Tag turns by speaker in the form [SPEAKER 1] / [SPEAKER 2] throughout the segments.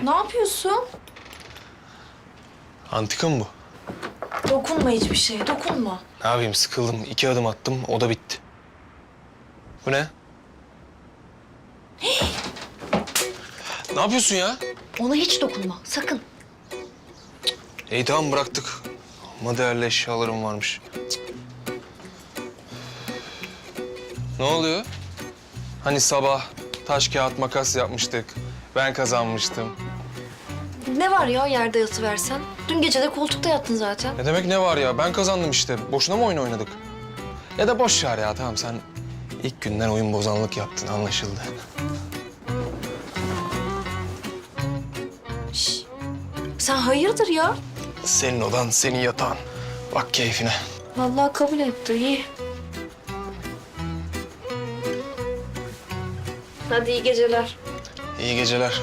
[SPEAKER 1] Ne yapıyorsun?
[SPEAKER 2] Antika mı bu?
[SPEAKER 1] Dokunma hiçbir şeye, dokunma.
[SPEAKER 2] Ne yapayım, sıkıldım. 2 adım attım, o da bitti. Bu ne? Ne yapıyorsun ya?
[SPEAKER 1] Ona hiç dokunma, sakın.
[SPEAKER 2] İyi tamam, bıraktık. Ama değerli eşyalarım varmış. Ne oluyor? Hani sabah taş kağıt makas yapmıştık. Ben kazanmıştım.
[SPEAKER 1] Ne var ya yerde yatıversen? Dün gece de koltukta yattın zaten.
[SPEAKER 2] Ne demek ne var ya? Ben kazandım işte. Boşuna mı oyun oynadık? Ya da boş ver ya, tamam sen ilk günden oyun bozanlık yaptın, anlaşıldı.
[SPEAKER 1] Şş. Sen hayırdır ya?
[SPEAKER 2] Senin odan, senin yatağın. Bak keyfine.
[SPEAKER 1] Vallahi kabul etti, iyi. Hadi iyi geceler.
[SPEAKER 2] İyi geceler.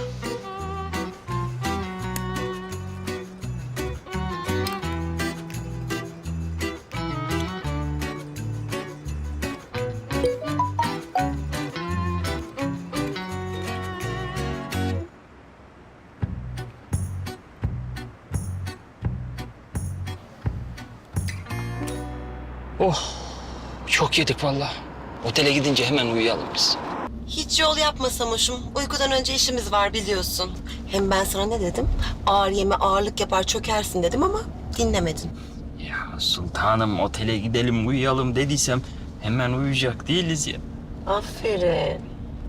[SPEAKER 3] Oh, çok yedik vallahi. Otele gidince hemen uyuyalım biz.
[SPEAKER 4] Hiç yol yapma Samoş'um. Uykudan önce işimiz var biliyorsun. Hem ben sana ne dedim? Ağır yeme ağırlık yapar çökersin dedim ama dinlemedin.
[SPEAKER 3] Ya sultanım otele gidelim uyuyalım dediysem hemen uyuyacak değiliz ya.
[SPEAKER 4] Aferin.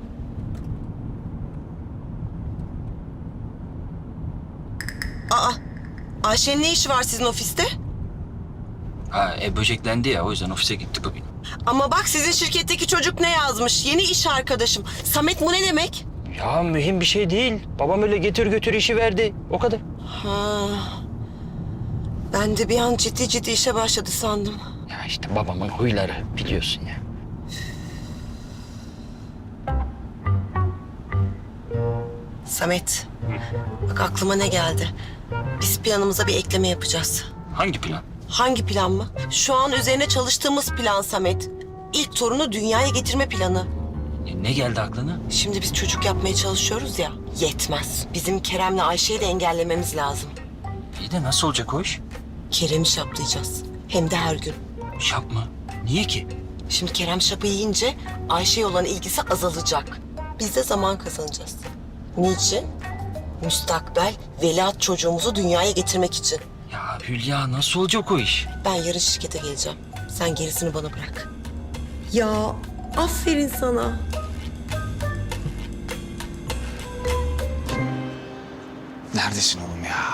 [SPEAKER 4] Aa, Ayşe'nin ne işi var sizin ofiste?
[SPEAKER 3] Ha böceklendi ya o yüzden ofise gitti bugün.
[SPEAKER 4] Ama bak sizin şirketteki çocuk ne yazmış? Yeni iş arkadaşım. Samet bu ne demek?
[SPEAKER 3] Ya mühim bir şey değil. Babam öyle getir götür işi verdi. O kadar.
[SPEAKER 4] Ha. Ben de bir an ciddi ciddi işe başladı sandım.
[SPEAKER 3] Ya işte babamın huyları biliyorsun ya.
[SPEAKER 4] Samet, bak aklıma ne geldi? Biz planımıza bir ekleme yapacağız.
[SPEAKER 3] Hangi plan?
[SPEAKER 4] Hangi plan mı? Şu an üzerine çalıştığımız plan Samet. İlk torunu dünyaya getirme planı.
[SPEAKER 3] Ne geldi aklına?
[SPEAKER 4] Şimdi biz çocuk yapmaya çalışıyoruz ya, yetmez. Bizim Kerem'le Ayşe'yi de engellememiz lazım.
[SPEAKER 3] İyi de nasıl olacak o iş?
[SPEAKER 4] Kerem'i şaplayacağız. Hem de her gün.
[SPEAKER 3] Şap mı? Niye ki?
[SPEAKER 4] Şimdi Kerem şapı yiyince Ayşe'ye olan ilgisi azalacak. Biz de zaman kazanacağız. Niçin? Müstakbel veliaht çocuğumuzu dünyaya getirmek için.
[SPEAKER 3] Ya Hülya nasıl olacak o iş?
[SPEAKER 4] Ben yarın şirkete geleceğim. Sen gerisini bana bırak. Ya aferin sana.
[SPEAKER 2] Neredesin oğlum ya?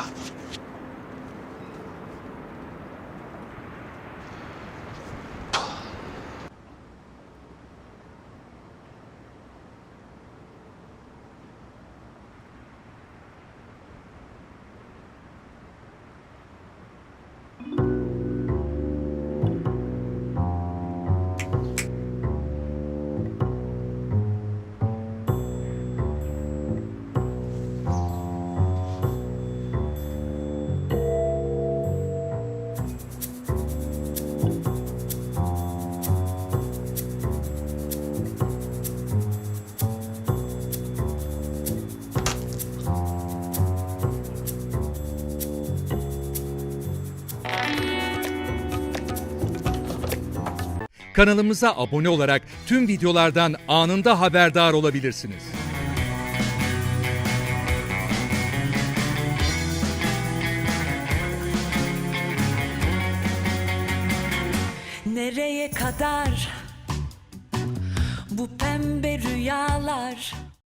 [SPEAKER 5] Kanalımıza abone olarak tüm videolardan anında haberdar olabilirsiniz.
[SPEAKER 6] Nereye kadar bu pembe rüyalar?